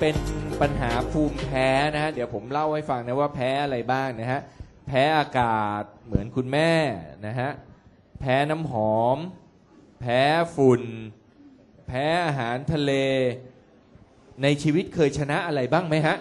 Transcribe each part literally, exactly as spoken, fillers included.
เป็นปัญหาภูมิแพ้นะฮะเดี๋ยวผมเล่าให้ฟังนะว่าแพ้อะไรบ้างนะฮะแพ้อากาศเหมือนคุณแม่นะฮะแพ้น้ำหอมแพ้ฝุ่นแพ้อาหารทะเลในชีวิตเคยชนะอะไรบ้างไหมฮะ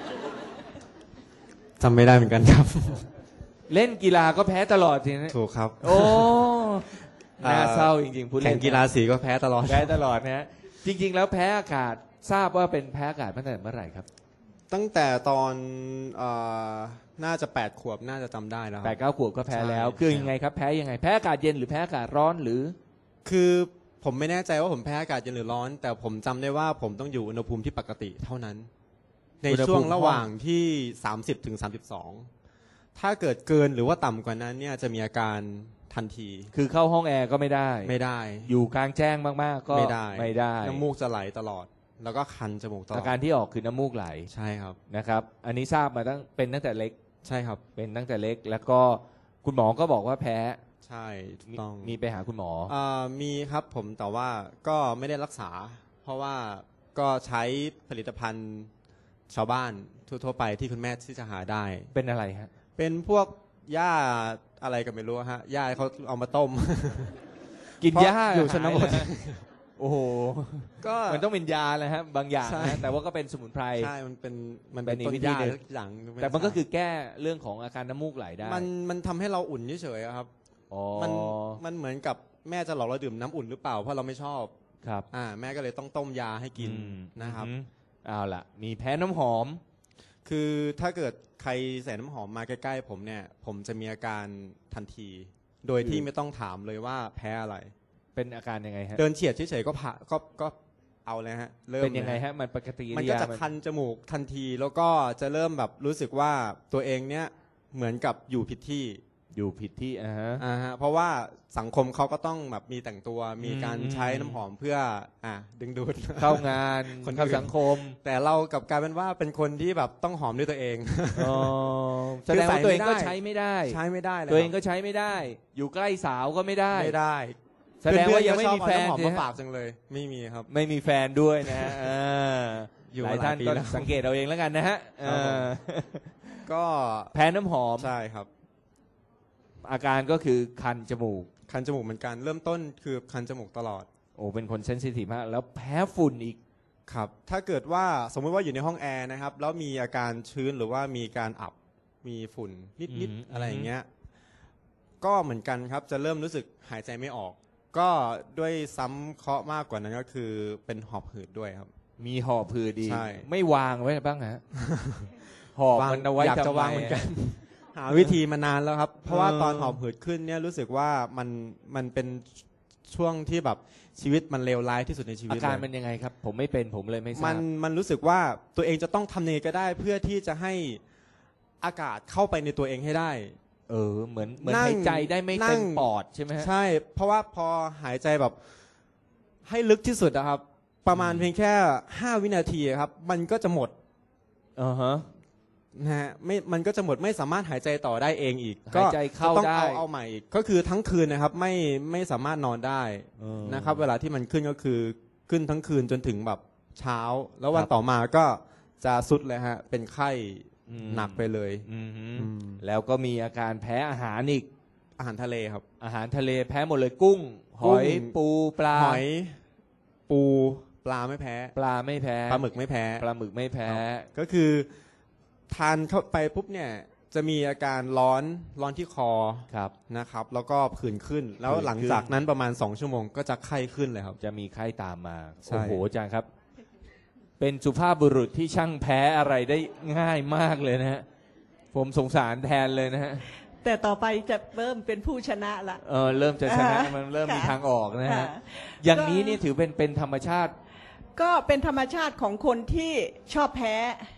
จำไม่ได้เหมือนกันครับเล่นกีฬาก็แพ้ตลอดทีนะถูกครับโอ้น่าเศร้าจริงๆพูดเล่นแข่งกีฬาสีก็แพ้ตลอดแพ้ตลอดนะฮะจริงๆแล้วแพ้อากาศทราบว่าเป็นแพ้อากาศตั้งแต่เมื่อไหร่ครับตั้งแต่ตอนน่าจะแปดขวบน่าจะจำได้แล้วแปดเก้าขวบก็แพ้แล้วคือยังไงครับแพ้ยังไงแพ้อากาศเย็นหรือแพ้อากาศร้อนหรือคือผมไม่แน่ใจว่าผมแพ้อากาศเย็นหรือร้อนแต่ผมจำได้ว่าผมต้องอยู่อุณหภูมิที่ปกติเท่านั้นในช่วงระหว่างที่สามสิบถึงสามสิบสองถ้าเกิดเกินหรือว่าต่ำกว่านั้นเนี่ยจะมีอาการทันทีคือเข้าห้องแอร์ก็ไม่ได้ไม่ได้อยู่กลางแจ้งมากๆก็ไม่ได้ไม่ได้น้ำมูกจะไหลตลอดแล้วก็คันจมูกตลอดอาการที่ออกคือน้ำมูกไหลใช่ครับนะครับอันนี้ทราบมาตั้งเป็นตั้งแต่เล็กใช่ครับเป็นตั้งแต่เล็กแล้วก็คุณหมอก็บอกว่าแพ้ใช่ต้องมีไปหาคุณหมออ่ามีครับผมแต่ว่าก็ไม่ได้รักษาเพราะว่าก็ใช้ผลิตภัณฑ์ชาวบ้านทั่วๆไปที่คุณแม่ที่จะหาได้เป็นอะไรฮะเป็นพวกหญ้าอะไรก็ไม่รู้ฮะหญ้าเขาเอามาต้มกินหญ้าอยู่ชนบทโอ้โหก็มันต้องเป็นยาเลยฮะบางอย่างนะแต่ว่าก็เป็นสมุนไพรใช่มันเป็นมันเป็นต้นหญ้าอย่างแต่มันก็คือแก้เรื่องของอาการน้ำมูกไหลได้มันมันทำให้เราอุ่นเฉยๆครับมันมันเหมือนกับแม่จะหลอกเราดื่มน้ำอุ่นหรือเปล่าเพราะเราไม่ชอบครับอ่าแม่ก็เลยต้องต้มยาให้กินนะครับเอาล่ะมีแพ้น้ำหอมคือถ้าเกิดใครใส่น้ำหอมมาใกล้ๆผมเนี่ยผมจะมีอาการทันทีโดยที่ไม่ต้องถามเลยว่าแพ้อะไรเป็นอาการยังไงฮะเดินเฉียดเฉยๆก็ผ่าก็ก็เอาเลยฮะเริ่มเป็นยังไงฮะมันปกติมันก็จะคันจมูกทันทีแล้วก็จะเริ่มแบบรู้สึกว่าตัวเองเนี่ยเหมือนกับอยู่ผิดที่อยู่ผิดที่อ่าฮะอ่าฮะเพราะว่าสังคมเขาก็ต้องแบบมีแต่งตัวมีการใช้น้ำหอมเพื่ออ่าดึงดูดเข้างานคนเข้าสังคมแต่เรากับกลายเป็นว่าเป็นคนที่แบบต้องหอมด้วยตัวเองอ๋อแสดงว่าตัวเองก็ใช้ไม่ได้ใช้ไม่ได้ตัวเองก็ใช้ไม่ได้อยู่ใกล้สาวก็ไม่ได้ไม่ได้แสดงว่ายังไม่มีแฟนหอมมาฝากจังเลยไม่มีครับไม่มีแฟนด้วยนะหลายท่านก็สังเกตเอาเองแล้วกันนะฮะก็แพ้น้ำหอมใช่ครับอาการก็คือคันจมูกคันจมูกเหมือนกันเริ่มต้นคือคันจมูกตลอดโอ้เป็นคนเซนซิทีฟมากแล้วแพ้ฝุ่นอีกครับถ้าเกิดว่าสมมติว่าอยู่ในห้องแอร์นะครับแล้วมีอาการชื้นหรือว่ามีการอับมีฝุ่นนิดๆอะไรอย่างเงี้ยก็เหมือนกันครับจะเริ่มรู้สึกหายใจไม่ออกก็ด้วยซ้ำเคราะห์มากกว่านั้นก็คือเป็นหอบหืดด้วยครับมีหอบหืดดีใช่ไม่วางไว้บ้างฮะหอบมันเอาไว้อยากจะวางเหมือนกันหาวิธีมานานแล้วครับเพราะว่าตอนหอบหืดขึ้นเนี่ยรู้สึกว่ามันมันเป็นช่วงที่แบบชีวิตมันเลวร้ายที่สุดในชีวิตอาการมันยังไงครับผมไม่เป็นผมเลยไม่ทราบมันมันรู้สึกว่าตัวเองจะต้องทำยังไงก็ได้เพื่อที่จะให้อากาศเข้าไปในตัวเองให้ได้เออเหมือนเหมือนหายใจได้ไม่เต็มปอดใช่ไหมใช่เพราะว่าพอหายใจแบบให้ลึกที่สุดนะครับประมาณเพียงแค่ห้าวินาทีครับมันก็จะหมดอ่าฮะนะฮะไม่มันก็จะหมดไม่สามารถหายใจต่อได้เองอีกหายใจเข้าต้องเอาเอาใหม่อีกก็คือทั้งคืนนะครับไม่ไม่สามารถนอนได้นะครับเวลาที่มันขึ้นก็คือขึ้นทั้งคืนจนถึงแบบเช้าแล้ววันต่อมาก็จะสุดเลยฮะเป็นไข้หนักไปเลยแล้วก็มีอาการแพ้อาหารอีกอาหารทะเลครับอาหารทะเลแพ้หมดเลยกุ้งหอยปูปลาหอยปูปลาไม่แพ้ปลาไม่แพ้ปลาหมึกไม่แพ้ปลาหมึกไม่แพ้ก็คือทานเข้าไปปุ๊บเนี่ยจะมีอาการร้อนร้อนที่คอนะครับแล้วก็ผื่นขึ้นแล้วหลังจากนั้นประมาณสองชั่วโมงก็จะไข้ขึ้นเลยครับจะมีไข้ตามมาโอ้โหอาจารย์ครับเป็นสุภาพบุรุษที่ช่างแพ้อะไรได้ง่ายมากเลยนะฮะผมสงสารแทนเลยนะฮะแต่ต่อไปจะเริ่มเป็นผู้ชนะละเออเริ่มจะชนะมันเริ่มมีทางออกนะฮะอย่างนี้นี่ถือเป็นเป็นธรรมชาติก็เป็นธรรมชาติของคนที่ชอบแพ้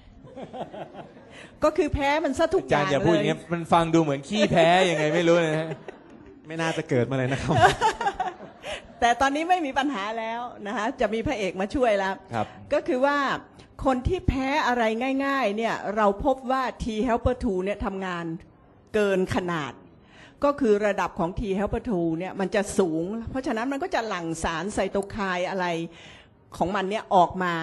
ก็คือแพ้มันซะทุกอย่างเลยอาจารย์อย่าพูดอย่างนี้มันฟังดูเหมือนขี้แพ้ยังไงไม่รู้นะฮะไม่น่าจะเกิดมาเลยนะครับแต่ตอนนี้ไม่มีปัญหาแล้วนะคะจะมีพระเอกมาช่วยแล้วก็คือว่าคนที่แพ้อะไรง่ายๆเนี่ยเราพบว่า T helper ทูเนี่ยทำงานเกินขนาดก็คือระดับของ T helper ทูเนี่ยมันจะสูงเพราะฉะนั้นมันก็จะหลั่งสารไซโตไคน์อะไรของมันเนี่ยออกมา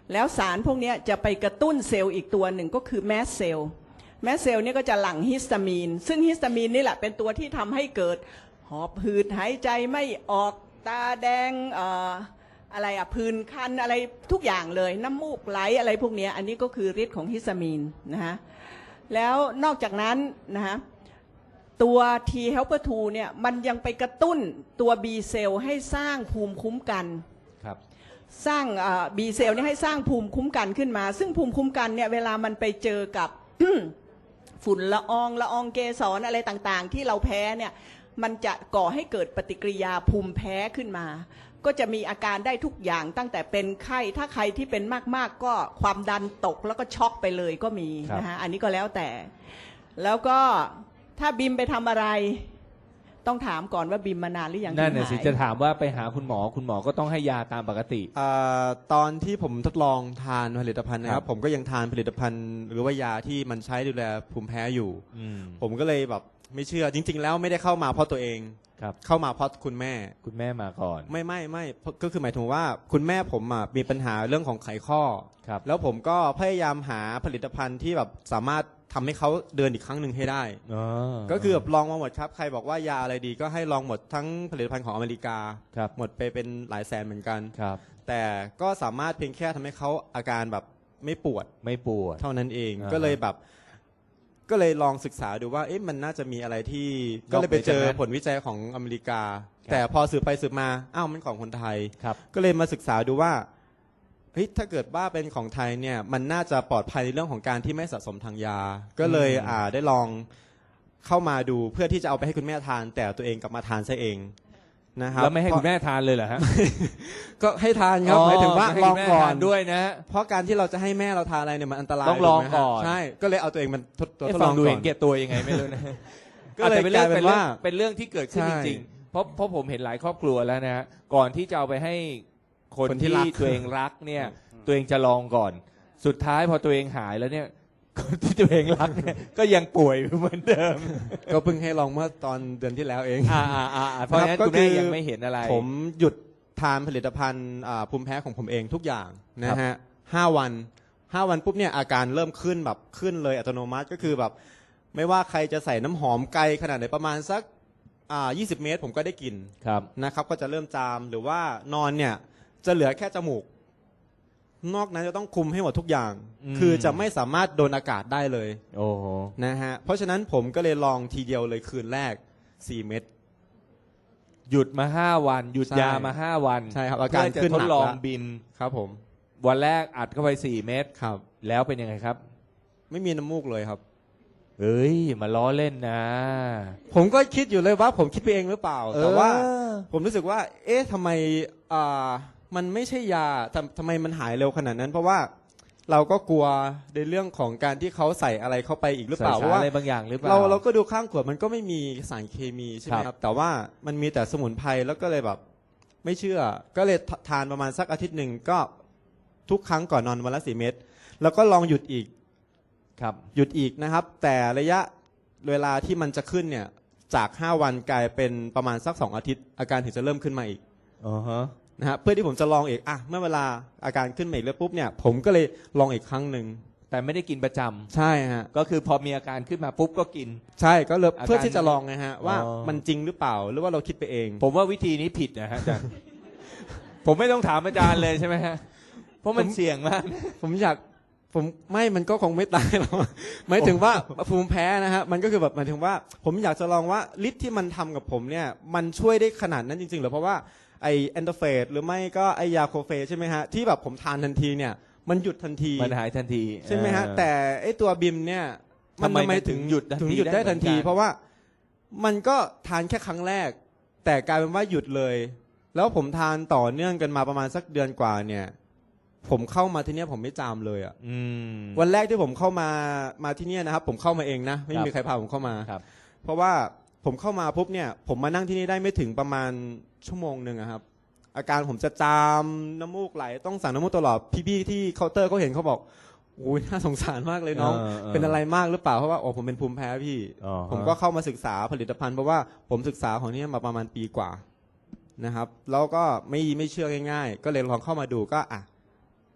แล้วสารพวกนี้จะไปกระตุ้นเซลล์อีกตัวหนึ่งก็คือแมสเซลล์แมสเซลล์นี่ก็จะหลั่งฮิสตามีนซึ่งฮิสตามีนนี่แหละเป็นตัวที่ทำให้เกิดหอบหืดหายใจไม่ออกตาแดงเอ่ออะไรอะผื่นคันอะไรทุกอย่างเลยน้ำมูกไหลอะไรพวกนี้อันนี้ก็คือฤทธิ์ของฮิสตามีนนะฮะแล้วนอกจากนั้นนะฮะตัว T helper ทูเนี่ยมันยังไปกระตุ้นตัว B เซลล์ให้สร้างภูมิคุ้มกันครับสร้าง B เซลล์นี่ให้สร้างภูมิคุ้มกันขึ้นมาซึ่งภูมิคุ้มกันเนี่ยเวลามันไปเจอกับ ฝุ่นละอองละอองเกสรอะไรต่างๆที่เราแพ้เนี่ยมันจะก่อให้เกิดปฏิกิริยาภูมิแพ้ขึ้นมาก็จะมีอาการได้ทุกอย่างตั้งแต่เป็นไข้ถ้าใครที่เป็นมากๆก็ความดันตกแล้วก็ช็อกไปเลยก็มีนะฮะอันนี้ก็แล้วแต่แล้วก็ถ้าบิมไปทำอะไรต้องถามก่อนว่าบิมมานานหรือยังนั่นน่ะสิจะถามว่าไปหาคุณหมอคุณหมอก็ต้องให้ยาตามปกติอ่าตอนที่ผมทดลองทานผลิตภัณฑ์นะครับผมก็ยังทานผลิตภัณฑ์หรือว่ายาที่มันใช้ดูแลภูมิแพ้อยู่ผมก็เลยแบบไม่เชื่อจริงๆแล้วไม่ได้เข้ามาเพราะตัวเองเข้ามาเพราะคุณแม่คุณแม่มาก่อนไม่ไม่ไม่ก็คือหมายถึงว่าคุณแม่ผมมีปัญหาเรื่องของไขข้อแล้วผมก็พยายามหาผลิตภัณฑ์ที่แบบสามารถทำให้เขาเดินอีกครั้งหนึ่งให้ได้ก็คือแบบลองมาหมดครับใครบอกว่ายาอะไรดีก็ให้ลองหมดทั้งผลิตภัณฑ์ของอเมริกาหมดไปเป็นหลายแสนเหมือนกันแต่ก็สามารถเพียงแค่ทำให้เขาอาการแบบไม่ปวดไม่ปวดเท่านั้นเองก็เลยแบบก็เลยลองศึกษาดูว่าเอ๊ะมันน่าจะมีอะไรที่ก็เลยไปเจอผลวิจัยของอเมริกาแต่พอสืบไปสืบมาอ้าวมันของคนไทยก็เลยมาศึกษาดูว่าเฮ้ยถ้าเกิดว่าเป็นของไทยเนี่ยมันน่าจะปลอดภัยในเรื่องของการที่ไม่สะสมทางยาก็เลยอ่าได้ลองเข้ามาดูเพื่อที่จะเอาไปให้คุณแม่ทานแต่ตัวเองกลับมาทานซะเองนะครับแล้วไม่ให้คุณแม่ทานเลยเหรอฮะก็ให้ทานครับหมายถึงว่าลองก่อนด้วยนะเพราะการที่เราจะให้แม่เราทานอะไรเนี่ยมันอันตรายต้องลองก่อนใช่ก็เลยเอาตัวเองมันตัวทดลองดูเห็นแก่ตัวยังไงไม่รู้นะก็เลยเป็นเรื่องเป็นว่าเป็นเรื่องที่เกิดขึ้นจริงๆเพราะเพราะผมเห็นหลายครอบครัวแล้วนะฮะก่อนที่จะเอาไปให้คนที่ตัวเองรักเนี่ยตัวเองจะลองก่อนสุดท้ายพอตัวเองหายแล้วเนี่ยคนที่ตัวเองรักเนี่ยก็ยังป่วยเหมือนเดิมก็เพิ่งให้ลองเมื่อตอนเดือนที่แล้วเองอ่าอ่าเพราะฉะนั้นคุณแม่ยังไม่เห็นอะไรผมหยุดทานผลิตภัณฑ์ภูมิแพ้ของผมเองทุกอย่างนะฮะห้าวันห้าวันปุ๊บเนี่ยอาการเริ่มขึ้นแบบขึ้นเลยอัตโนมัติก็คือแบบไม่ว่าใครจะใส่น้ำหอมไกลขนาดไหนประมาณสักอ่ายี่สิบเมตรผมก็ได้กลิ่นนะครับก็จะเริ่มจามหรือว่านอนเนี่ยจะเหลือแค่จมูกนอกนั้นจะต้องคุมให้หมดทุกอย่างคือจะไม่สามารถโดนอากาศได้เลยโอ้โหนะฮะเพราะฉะนั้นผมก็เลยลองทีเดียวเลยคืนแรกสี่เม็ดหยุดมาห้าวันหยุดยามาห้าวันใช่ครับอาการขึ้นหนักทดลองบินครับผมวันแรกอัดเข้าไปสี่เม็ดครับแล้วเป็นยังไงครับไม่มีน้ำมูกเลยครับเอ้ยมาล้อเล่นนะผมก็คิดอยู่เลยว่าผมคิดไปเองหรือเปล่าแต่ว่าผมรู้สึกว่าเอ๊ะทำไมอ่ามันไม่ใช่ยาทำทำไมมันหายเร็วขนาดนั้นเพราะว่าเราก็กลัวในเรื่องของการที่เขาใส่อะไรเข้าไปอีกหรือเปล่าเพราะว่าอะไรบางอย่างหรือเปล่าเราเราก็ดูข้างขวดมันก็ไม่มีสารเคมีใช่ไหมครับแต่ว่ามันมีแต่สมุนไพรแล้วก็เลยแบบไม่เชื่อก็เลยทานประมาณสักอาทิตย์หนึ่งก็ทุกครั้งก่อนนอนวันละสี่เม็ดแล้วก็ลองหยุดอีกครับหยุดอีกนะครับแต่ระยะเวลาที่มันจะขึ้นเนี่ยจากห้าวันกลายเป็นประมาณสักสองอาทิตย์อาการถึงจะเริ่มขึ้นมาอีกอ๋อฮะนะฮะเพื่อที่ผมจะลองอีกอ่ะเมื่อเวลาอาการขึ้นมาอีกแล้วปุ๊บเนี่ยผมก็เลยลองอีกครั้งหนึ่งแต่ไม่ได้กินประจำใช่ฮะก็คือพอมีอาการขึ้นมาปุ๊บก็กินใช่ก็เลยเพื่อที่จะลองไงฮะว่ามันจริงหรือเปล่าหรือว่าเราคิดไปเองผมว่าวิธีนี้ผิดนะฮะอาจารย์ผมไม่ต้องถามอาจารย์เลยใช่ไหมฮะเพราะมันเสี่ยงมากผมอยากผมไม่มันก็คงไม่ตายหรอกหมายถึงว่าภูมิแพ้นะฮะมันก็คือแบบหมายถึงว่าผมอยากจะลองว่าฤทธิ์ที่มันทำกับผมเนี่ยมันช่วยได้ขนาดนั้นจริงๆหรือเพราะว่าไอแอนโดเฟสหรือไม่ก็ไอยาโคเฟใช่ไหมฮะที่แบบผมทานทันทีเนี่ยมันหยุดทันทีมันหายทันทีใช่ไหมฮะแต่ไอตัวบิมเนี่ยมันทำไมถึงหยุดถึงหยุดได้ทันทีเพราะว่ามันก็ทานแค่ครั้งแรกแต่กลายเป็นว่าหยุดเลยแล้วผมทานต่อเนื่องกันมาประมาณสักเดือนกว่าเนี่ยผมเข้ามาที่นี่ผมไม่จามเลยอ่ะวันแรกที่ผมเข้ามามาที่นี่นะครับผมเข้ามาเองนะไม่มีใครพาผมเข้ามาเพราะว่าผมเข้ามาปุ๊บเนี่ยผมมานั่งที่นี่ได้ไม่ถึงประมาณชั่วโมงหนึ่งครับอาการผมจะจามน้ำมูกไหลต้องสั่งน้ำมูกตลอดพี่ๆที่เคาน์เตอร์เขาเห็นเขาบอกโอ้ยน่าสงสารมากเลยน้องเป็นอะไรมากหรือเปล่าเพราะว่าโอ้ผมเป็นภูมิแพ้พี่ผมก็เข้ามาศึกษาผลิตภัณฑ์เพราะว่าผมศึกษาของนี่มาประมาณปีกว่านะครับแล้วก็ไม่ไม่เชื่อง่ายๆก็เลยลองเข้ามาดูก็อ่ะ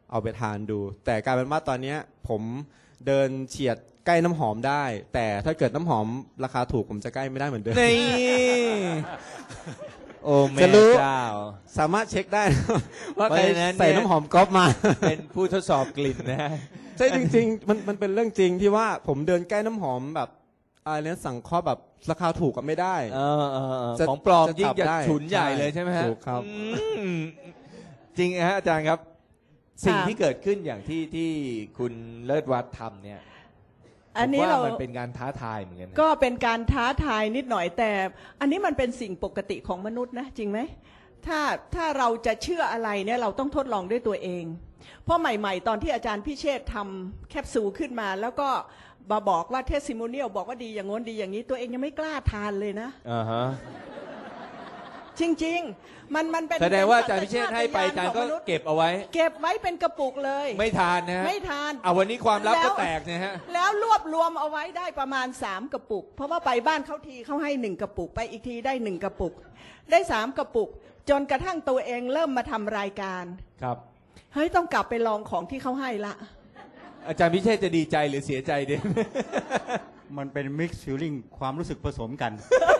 เอาไปทานดู แต่กลายเป็นว่าตอนเนี้ยผมเดินเฉียดใกล้น้ำหอมได้ แต่ถ้าเกิดน้ำหอมราคาถูกผมจะใกล้ไม่ได้เหมือนเดิมนี่ โอ้แม่จะรู้เจ้าสามารถเช็คได้ ว่าใครเพราะฉะนั้นเนี่ยใส่น้ำหอมก๊อฟมาเป็นผู้ทดสอบกลิ่นนะฮะใช่จริงๆมันมันเป็นเรื่องจริงที่ว่าผมเดินใกล้น้ำหอมแบบอะไรเนี้ยสั่งเคาะแบบราคาถูกก็ไม่ได้เออเออเออจะของปลอมจะยิ่งจับจะได้ฉุนใหญ่ใช่เลยใช่ไหมฮะถูกครับอืมจริงฮะอาจารย์ครับ สิ่งที่เกิดขึ้นอย่างที่ที่คุณเลิศวัฒน์ทำเนี่ยอันนี้ผมเราว่ามันเป็นการท้าทายเหมือนกันนะก็เป็นการท้าทายนิดหน่อยแต่ อันนี้มันเป็นสิ่งปกติของมนุษย์นะจริงไหมถ้าถ้าเราจะเชื่ออะไรเนี่ยเราต้องทดลองด้วยตัวเอง เพราะใหม่ๆ ตอนที่อาจารย์พิเชษฐ์ทำแคปซูลขึ้นมา แล้วก็มาบอกว่าเทสซิโมเนียลบอกว่าดีอย่างง้นดีอย่างนี้ตัวเองยังไม่กล้าทานเลยนะอ่าฮะจริงๆ มันมันเป็นแสดงว่าอาจารย์พิเชษฐ์ให้ไปอาจารย์ก็ป็นสัญชตญณของมนุษเก็บเอาไว้เก็บไว้เป็นกระปุกเลยไม่ทานนะฮะไม่ทานเอาวันนี้ความลับแล้ก็วแตกนะฮะแล้วรวบรวมเอาไว้ได้ประมาณสามกระปุก เพราะว่าไปบ้านเขาทีเขาให้หนึ่งกระปุกไปอีกทีได้หนึ่งกระปุก ได้สามกระปุก จนกระทั่งตัวเองเริ่มมาทำรายการครับเฮ้ยต้องกลับไปลองของที่เขาให้ละอาจารย์พิเชษฐ์จะดีใจหรือเสียใจเด่นมันเป็นมิกซ์ฟิลลิ่งความรู้สึกผสมกัน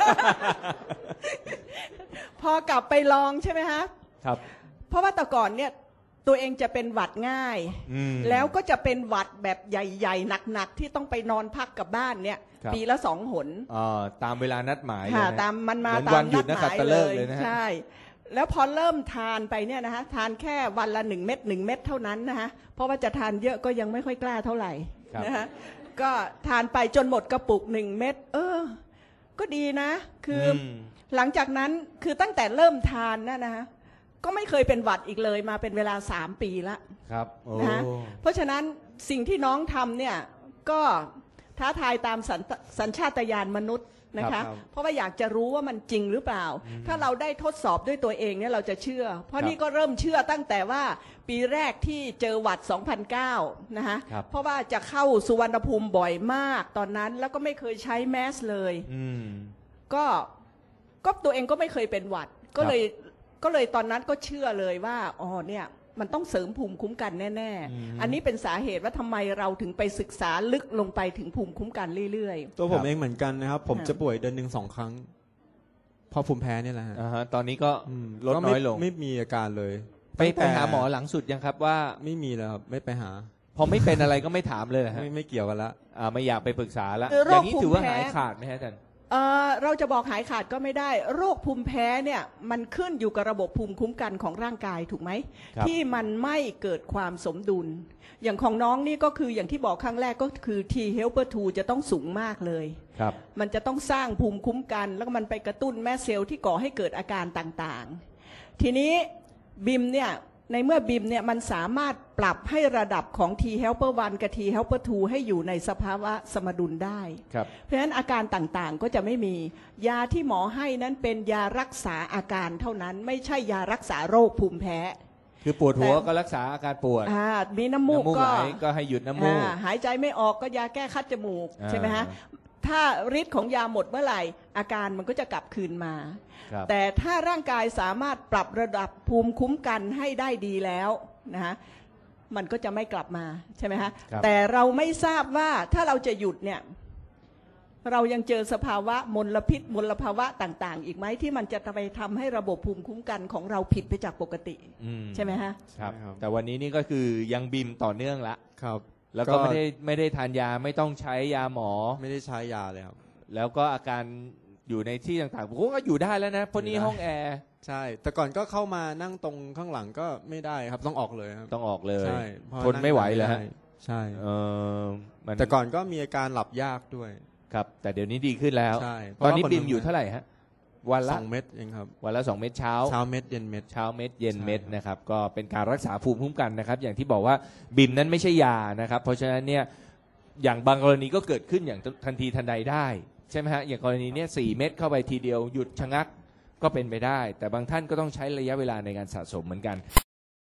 พอกลับไปลองใช่ไหมฮะครับเพราะว่าแต่ก่อนเนี่ยตัวเองจะเป็นหวัดง่ายอืมแล้วก็จะเป็นหวัดแบบใหญ่ๆหนักๆที่ต้องไปนอนพักกับบ้านเนี่ยครับปีละสองหนอ่าตามเวลานัดหมายเลยค่ะนะตามมันมาเหมือนตาวัมนหยุนัดดนักหขัมายตฤเลกษ์ยเลยนะฮะใช่ แล้วพอเริ่มทานไปเนี่ยนะคะทานแค่วันละหนึ่งเม็ดหนึ่งเม็ดเท่านั้นนะคะเพราะว่าจะทานเยอะก็ยังไม่ค่อยกล้าเท่าไหร่ครับนะคะก็ทานไปจนหมดกระปุกหนึ่งเม็ดเออ ก็ดีนะ คืออมหลังจากนั้นคือตั้งแต่เริ่มทานนะนะคะก็ไม่เคยเป็นหวัดอีกเลยมาเป็นเวลาสามปีละครับโอ้นะฮะเพราะฉะนั้นสิ่งที่น้องทำเนี่ยก็ท้าทายตามสัญสัญชาตญาณมนุษย์นะครัคะบครับเพราะว่าอยากจะรู้ว่ามันจริงหรือเปล่า ถ้าเราได้ทดสอบด้วยตัวเองเนี่ยเราจะเชื่อ เพราะนี่ก็เริ่มเชื่อตั้งแต่ว่าปีแรกที่เจอหวัด สองพันเก้า นะคะครับเพราะว่าจะเข้าสุวรรณภูมิบ่อยมากตอนนั้นแล้วก็ไม่เคยใช้แมสเลยอืมก็ก็ตัวเองก็ไม่เคยเป็นหวัด ก็เลยก็เลยตอนนั้นก็เชื่อเลยว่าอ๋อเนี่ยมันต้องเสริมภูมิคุ้มกันแน่อืมๆ อันนี้เป็นสาเหตุว่าทำไมเราถึงไปศึกษาลึกลงไปถึงภูมิคุ้มกันเรื่อยตัวผครัมบเองเหมือนกันนะครับ ผมค่ะจะป่วยเดือนหนึ่งสองครั้งเพราะภูมิแพ้เนี่ยแหละฮะอ่าฮะตอนนี้ก็อืมลดก็น้ไม่อยลงไม่มีอาการเลยไปตั้งไปแต่หาหมอหลังสุดยังครับว่าไม่มีแล้วครับไม่ไปหาพอไม่เป็นอะไรก็ไม่ถามเลยเหรอฮะไม่ไม่เกี่ยวกันละอ่าไม่อยากไปปรึกษาแล้วคืออโรคย่างนี้ถือว่าภูมิแพ้หายขาดไหมฮะอาจารย์ๆเอ่อเราจะบอกหายขาดก็ไม่ได้ โรคภูมิแพ้เนี่ยมันขึ้นอยู่กับระบบภูมิคุ้มกันของร่างกายถูกไหมครับที่มันไม่เกิดความสมดุล อย่างของน้องนี่ก็คืออย่างที่บอกครั้งแรกก็คือ T helper ทูจะต้องสูงมากเลยครับมันจะต้องสร้างภูมิคุ้มกัน แล้วก็มันไปกระตุ้นแม่เซลล์ที่ก่อให้เกิดอาการต่างๆ ทีนี้บิมเนี่ยในเมื่อบิมเนี่ยมันสามารถปรับให้ระดับของ T helper วันกับ T helper ทูให้อยู่ในสภาวะสมดุลได้ครับเพราะฉะนั้นอาการต่างๆก็จะไม่มียาที่หมอให้นั้นเป็นยารักษาอาการเท่านั้น ไม่ใช่ยารักษาโรคภูมิแพ้คือปวดหัวแต่ก็รักษาอาการปวดอ่ามีน้ำมูกน้ำมูกก็ไหลก็ให้หยุดน้ำมูกอ่าหายใจไม่ออกก็ยาแก้คัดจมูกอ่าใช่ไหมฮะถ้าฤทธิ์ของยาหมดเมื่อไหร่อาการมันก็จะกลับคืนมาครับแต่ถ้าร่างกายสามารถปรับระดับภูมิคุ้มกันให้ได้ดีแล้วนะฮะมันก็จะไม่กลับมาใช่ไหมฮะครับแต่เราไม่ทราบว่าถ้าเราจะหยุดเนี่ยเรายังเจอสภาวะมลพิษมลภาวะต่างๆ อีกไหมที่มันจะไปทำให้ระบบภูมิคุ้มกันของเราผิดไปจากปกติอืมใช่ไหมฮะครับใช่ครับแต่วันนี้นี่ก็คือยังบิมต่อเนื่องละครับแล้วก็ไม่ได้ไม่ได้ทานยาไม่ต้องใช้ยาหมอไม่ได้ใช้ยาเลยครับแล้วก็อาการอยู่ในที่ต่างๆผมก็อยู่ได้แล้วนะเพราะนี่อยู่ได้ห้องแอร์ใช่ แต่ก่อนก็เข้ามานั่งตรงข้างหลังก็ไม่ได้ครับต้องออกเลยครับต้องออกเลยใช่เพราะทนไม่ไหวเหรอฮะนั่งใช่เออมันแต่ก่อนก็มีอาการหลับยากด้วยครับ แต่เดี๋ยวนี้ดีขึ้นแล้วใช่ตอนนี้เพราะว่าบิมคนอยู่เท่าไหร่ฮะวันสละองเม็ดเองครับวันละสองเม็ดเช้าเช้าเม็ดเย็นเม็ดเช้าเม็ดเย็นใช่เม็ดนะครับก็เป็นการรักษาภูมิคุ้มกันนะครับ อย่างที่บอกว่าบิมนั้นไม่ใช่ยานะครับ เพราะฉะนั้นเนี่ยอย่างบางกรณีก็เกิดขึ้นอย่างทันทีทันใดได้ใช่ไหมฮะอย่างกรณีเนี้ยสี่เม็ดเข้าไปทีเดียวหยุดชะงักก็เป็นไปได้ แต่บางท่านก็ต้องใช้ระยะเวลาในการสะสมเหมือนกัน